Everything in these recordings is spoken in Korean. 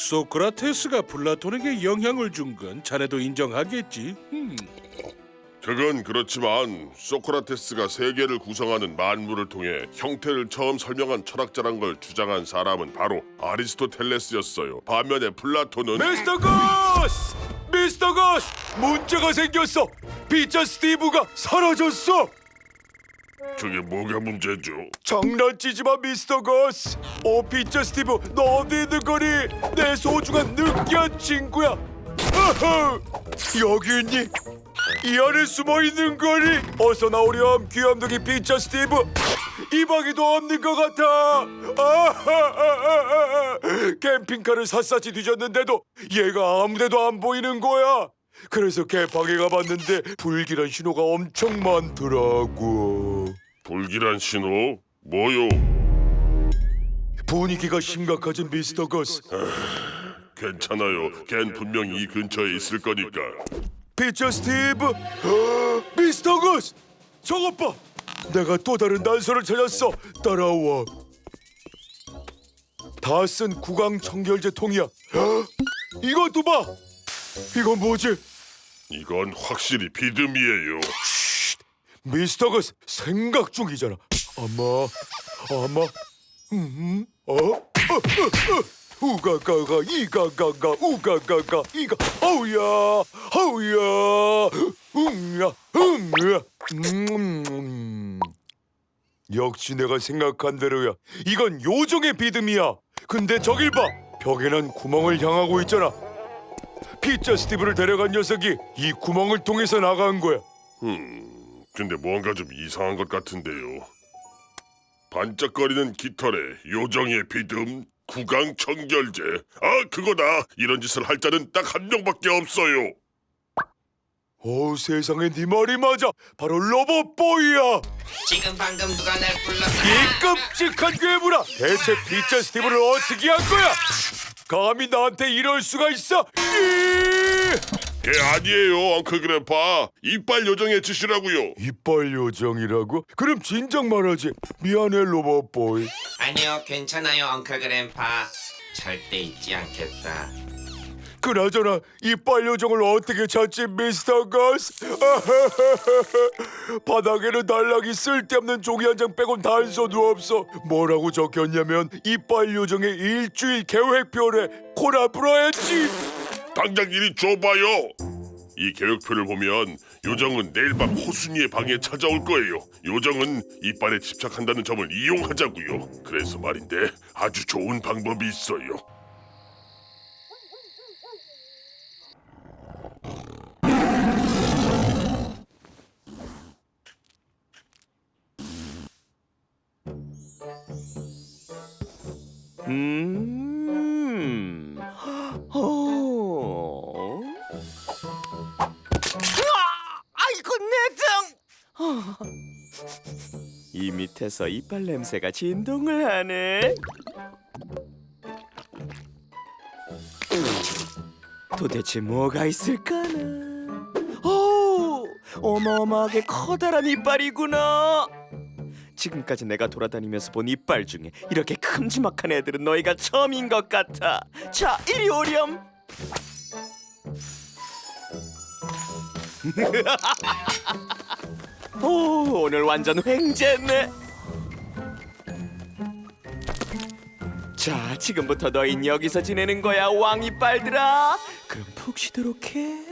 소크라테스가 플라톤에게 영향을 준 건 자네도 인정하겠지? 그건 그렇지만 소크라테스가 세계를 구성하는 만물을 통해 형태를 처음 설명한 철학자란 걸 주장한 사람은 바로 아리스토텔레스였어요. 반면에 플라톤은 미스터 거스! 미스터 거스! 문제가 생겼어! 피자 스티브가 사라졌어! 그게 뭐가 문제죠? 장난치지 마, 미스터 거스! 피자 스티브, 너 어디 있는 거니? 내 소중한 느끼한 친구야! 어허! 여기 있니? 이 안에 숨어 있는 거니? 어서 나오렴, 귀염둥이 피자 스티브! 이 방에도 없는 것 같아! 아하하하하! 캠핑카를 샅샅이 뒤졌는데도 얘가 아무데도 안 보이는 거야! 그래서 개방에 가봤는데 불길한 신호가 엄청 많더라고. 불길한 신호? 뭐요? 분위기가 심각해진 미스터 거스. 괜찮아요. 걘 분명히 이 근처에 있을 거니까. 피처 스티브, 미스터 거스, 저것 봐. 내가 또 다른 단서를 찾았어. 따라와. 다 쓴 구강 청결제 통이야. 이것도 봐. 이건 뭐지? 이건 확실히 비듬이에요. 미스터 거스 생각 중이잖아. 아마, 우가가가 이가가가 우가가가 이가 어우야 역시 내가 생각한 대로야. 이건 요정의 비듬이야. 근데 저길 봐. 벽에 난 구멍을 향하고 있잖아. 피자 스티브를 데려간 녀석이 이 구멍을 통해서 나간 거야. 근데 뭔가 좀 이상한 것 같은데요. 반짝거리는 깃털에 요정의 비듬, 구강 청결제. 아, 그거다. 이런 짓을 할 자는 딱 한 명밖에 없어요. 세상에 네 말이 맞아. 바로 로봇보이야. 지금 방금 누가 날 불렀어? 이 끔찍한 괴물아. 대체 피자 스티브를 어떻게 한 거야? 감히 나한테 이럴 수가 있어? 걔 아니에요, 엉클 그래파. 이빨 요정의 짓이라고요. 이빨 요정이라고? 그럼 진작 말하지. 미안해 로봇보이. 아니요, 괜찮아요, 엉클 그램파. 절대 잊지 않겠다. 그나저나 이빨 요정을 어떻게 찾지, 미스터 거스? 바닥에는 단락이 쓸데없는 종이 한 장 빼곤 단서도 없어. 뭐라고 적혔냐면 이빨 요정의 일주일 계획표래. 코나 불어야지. 당장 이리 줘봐요. 이 계획표를 보면 요정은 내일 밤 호순이의 방에 찾아올 거예요. 요정은 이빨에 집착한다는 점을 이용하자고요. 그래서 말인데 아주 좋은 방법이 있어요. 아이고 내 등! 이 밑에서 이빨 냄새가 진동을 하네. 도대체 뭐가 있을까나? 어마어마하게 커다란 이빨이구나. 지금까지 내가 돌아다니면서 본 이빨 중에 이렇게 큼지막한 애들은 너희가 처음인 것 같아. 자, 이리 오렴. 오늘 완전 횡재네. 자, 지금부터 너흰 여기서 지내는 거야, 왕이빨들아. 그럼 푹 쉬도록 해.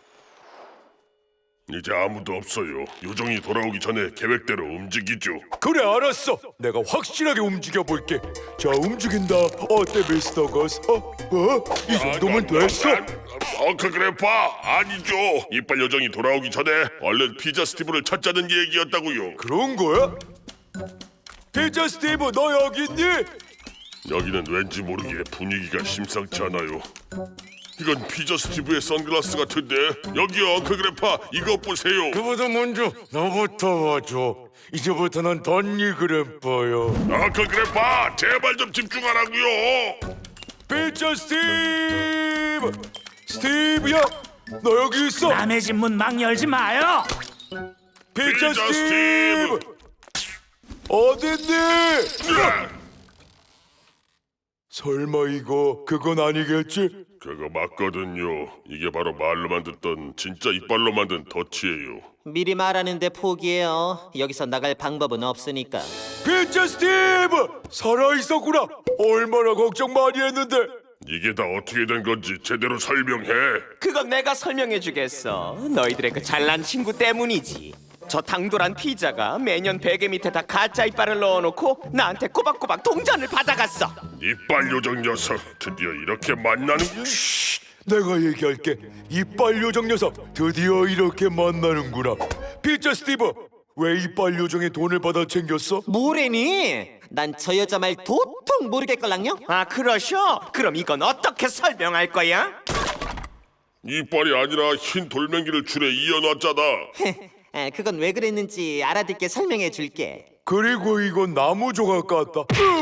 이제 아무도 없어요. 요정이 돌아오기 전에 계획대로 움직이죠. 그래, 알았어. 내가 확실하게 움직여볼게. 자, 움직인다. 어때, 미스터 거스? 이 정도면 됐어? 엉클 그래파, 아니죠. 이빨 요정이 돌아오기 전에 얼른 피자 스티브를 찾자는 얘기였다고요. 그런 거야? 피자 스티브, 너 여기 있니? 여기는 왠지 모르게 분위기가 심상치 않아요. 이건 피자 스티브의 선글라스 같은데. 여기요, 엉클 그래파, 이것 보세요. 그보다 먼저 너부터 봐줘. 이제부터는 던니 그램퍼요. 엉클 그래파, 제발 좀 집중하라고요. 피자 스티브! 스티브야, 너 여기 있어. 남의 집 문 막 열지 마요. 피자 피자 스티브! 스티브! 네. 어딨니? 설마 그건 아니겠지? 그거 맞거든요. 이게 바로 말로만 듣던 진짜 이빨로 만든 덫이에요. 미리 말하는데 포기해요. 여기서 나갈 방법은 없으니까. 피처 스티브! 살아있었구나! 얼마나 걱정 많이 했는데! 이게 다 어떻게 된 건지 제대로 설명해. 그건 내가 설명해 주겠어. 너희들의 그 잘난 친구 때문이지. 저 당돌한 피자가 매년 베개 밑에다 가짜 이빨을 넣어놓고 나한테 꼬박꼬박 동전을 받아갔어. 이빨 요정 녀석 드디어 이렇게 만나는. 내가 얘기할게. 이빨 요정 녀석 드디어 이렇게 만나는구나. 피처 스티브! 왜 이빨 요정의 돈을 받아 챙겼어? 뭐래니? 난 저 여자 말 도통 모르겠걸랑요? 아, 그러셔? 그럼 이건 어떻게 설명할 거야? 이빨이 아니라 흰 돌멩이를 줄에 이어놨잖아. 그건 왜 그랬는지 알아듣게 설명해 줄게. 그리고 이건 나무 조각 같다.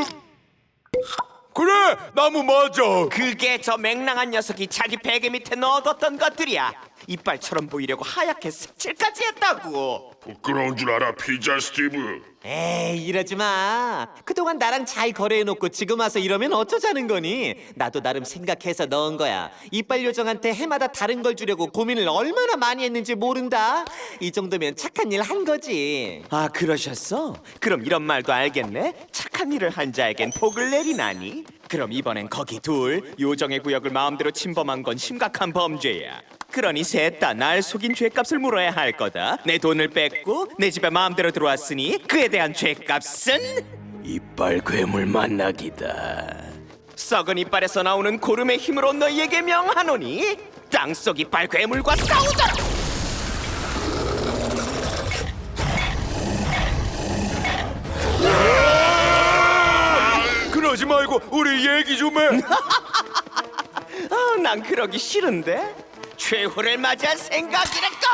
그래! 나무 맞아! 그게 저 맹랑한 녀석이 자기 베개 밑에 넣어뒀던 것들이야. 이빨처럼 보이려고 하얗게 색칠까지 했다고. 부끄러운 줄 알아, 피자 스티브. 에이, 이러지 마. 그동안 나랑 잘 거래해놓고 지금 와서 이러면 어쩌자는 거니? 나도 나름 생각해서 넣은 거야. 이빨 요정한테 해마다 다른 걸 주려고 고민을 얼마나 많이 했는지 모른다. 이 정도면 착한 일 한 거지. 아, 그러셨어? 그럼 이런 말도 알겠네? 착한 일을 한 자에겐 복을 내리나니? 그럼 이번엔 거기 둘, 요정의 구역을 마음대로 침범한 건 심각한 범죄야. 그러니 셋 다 날 속인 죄값을 물어야 할 거다. 내 돈을 뺏고 내 집에 마음대로 들어왔으니 그에 대한 죄값은 이빨 괴물 만나기다. 썩은 이빨에서 나오는 고름의 힘으로 너희에게 명하노니 땅속 이빨 괴물과 싸우자. 그러지 말고 우리 얘기 좀 해. 아, 난 그러기 싫은데. 최후를 맞이할 생각이랄까.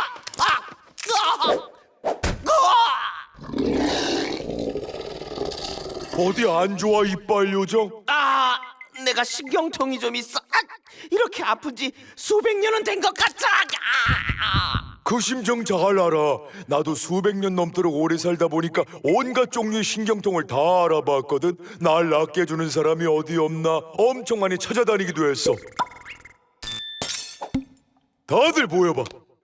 어디 안 좋아 이빨 요정? 아, 내가 신경통이 좀 있어. 이렇게 아픈 지 수백 년은 된 것 같아. 그 심정 잘 알아. 나도 수백 년 넘도록 오래 살다 보니까 온갖 종류의 신경통을 다 알아봤거든. 날 낫게 해주는 사람이 어디 없나 엄청 많이 찾아다니기도 했어. 다들 모여봐.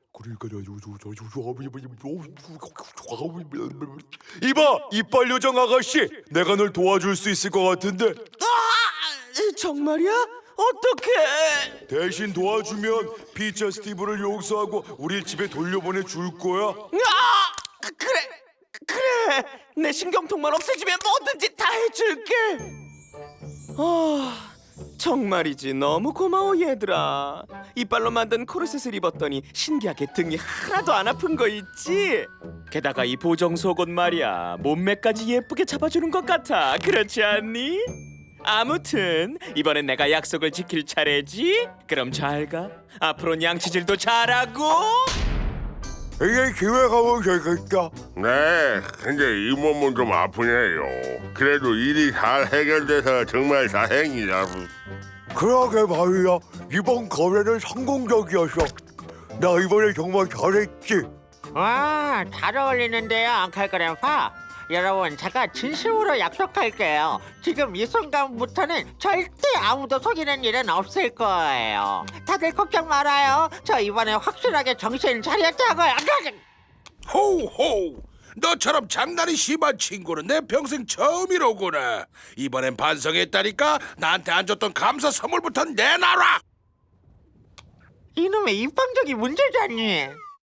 이봐, 이빨 요정 아가씨, 내가 널 도와줄 수 있을 것 같은데. 정말이야? 어떡해? 대신 도와주면 피처 스티브를 용서하고 우리 집에 돌려보내 줄 거야. 그래. 내 신경통만 없애주면 뭐든지 다 해줄게. 정말이지 너무 고마워 얘들아. 이빨로 만든 코르셋을 입었더니 신기하게 등이 하나도 안 아픈 거 있지? 게다가 이 보정 속옷 말이야 몸매까지 예쁘게 잡아주는 것 같아. 그렇지 않니? 아무튼 이번엔 내가 약속을 지킬 차례지. 그럼 잘 가. 앞으로는 양치질도 잘하고. 이제 집에 가면 되겠다. 네, 근데 이 몸은 좀 아프네요. 그래도 일이 잘 해결돼서 정말 다행이다. 그러게 말이야. 이번 거래는 성공적이었어. 나 이번에 정말 잘했지. 와, 잘 어울리는데요, 앙칼 그램파. 여러분, 제가 진심으로 약속할게요. 지금 이 순간부터는 절대 아무도 속이는 일은 없을 거예요. 다들 걱정 말아요. 저 이번에 확실하게 정신 차렸다고요. 호호, 너처럼 장난이 심한 친구는 내 평생 처음이로구나. 이번엔 반성했다니까. 나한테 안 줬던 감사 선물부터 내놔라. 이놈의 입방적이 문제잖니.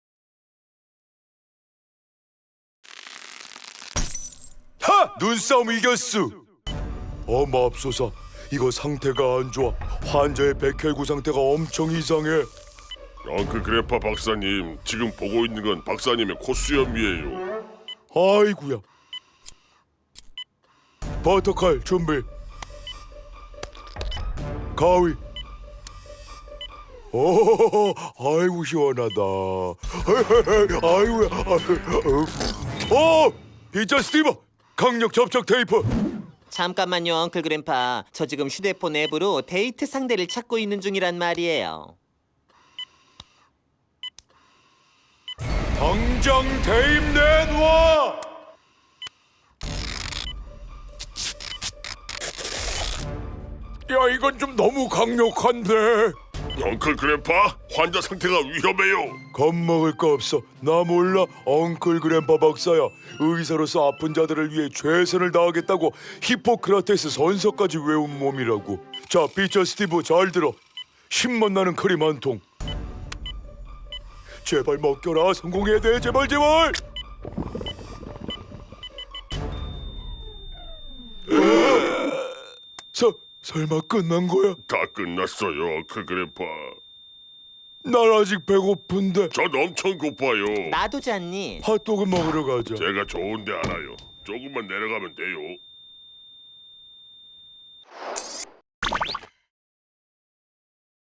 하! 눈싸움 이겼어. 맙소사. 이거 상태가 안 좋아. 환자의 백혈구 상태가 엄청 이상해. 엉클 그래파 박사님, 지금 보고 있는 건 박사님의 코수염이에요. 아이구야. 버터칼 준비. 가위. 오, 아이고 시원하다. 아이고야. 피처 스티브, 강력 접촉 테이프. 잠깐만요, 엉클 그램파. 저 지금 휴대폰 앱으로 데이트 상대를 찾고 있는 중이란 말이에요. 당장 대입 내놔. 이건 좀 너무 강력한데. 엉클 그램파, 환자 상태가 위험해요. 겁먹을 거 없어. 나 몰라. 엉클 그램파 박사야. 의사로서 아픈 자들을 위해 최선을 다하겠다고 히포크라테스 선서까지 외운 몸이라고. 자, 피처 스티브 잘 들어. 신맛 나는 크림 한 통. 제발 먹겨라. 성공해야 돼. 제발 제발. 설마 끝난 거야? 다 끝났어요, 엉클 그램파. 난 아직 배고픈데. 전 엄청 고파요. 나도 잤니? 핫도그 먹으러 가자. 제가 좋은데 알아요. 조금만 내려가면 돼요.